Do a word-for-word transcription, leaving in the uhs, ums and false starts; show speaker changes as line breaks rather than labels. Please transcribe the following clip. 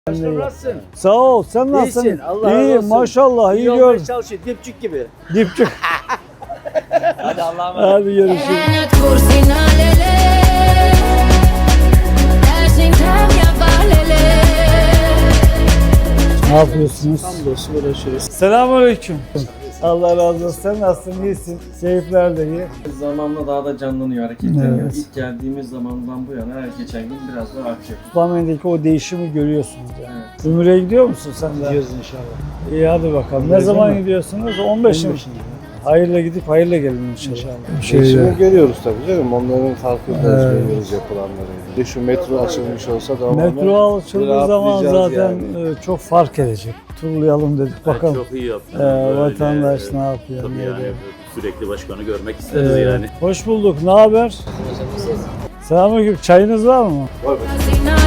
Nasılsın?
Sağ ol. Sen nasılsın?
İyisin. Allah razı
İyi
olsun.
maşallah. iyi
İyi
gör.
olmaya çalışıyor. Dipçik gibi.
Dipçik.
Hadi Allah'a emanet.
Hadi görüşürüz. Ne yapıyorsunuz?
Hamdolsun uğraşıyoruz.
Selamünaleyküm. Allah razı olsun. Sen nasılsın? İyisin. Keyifler de iyi.
Zamanla daha da canlanıyor, hareketleniyor.
Evet.
İlk geldiğimiz zamandan bu yana her geçen gün biraz daha artıyor.
Sultanbeyli'deki o değişimi görüyorsunuz yani.
Evet.
Ümre'ye gidiyor musun sen de?
Gidiyoruz inşallah.
İyi hadi bakalım. Ne
Gidiyoruz
zaman
ama-
gidiyorsunuz? on beş mi? Hayırla gidip hayırla gelin inşallah.
İnşallah.
Değişimi görüyoruz tabii canım. Onların farkındayız,
Evet.
görüyoruz yapılanları. Bir de şu metro açılmış olsa da
Metro açıldığı zaman
rahatlayacağız
zaten
yani.
e, çok fark edecek. Turlayalım dedik bakalım.
Çok iyi yaptın.
Ee,
Böyle,
vatandaş ne yapıyor?
Tabii
ne
yani
ediyor?
sürekli başkanı görmek isteriz
Ee,
yani.
Hoş bulduk. Ne haber? Selamünaleyküm. Çayınız var mı?
Var mı?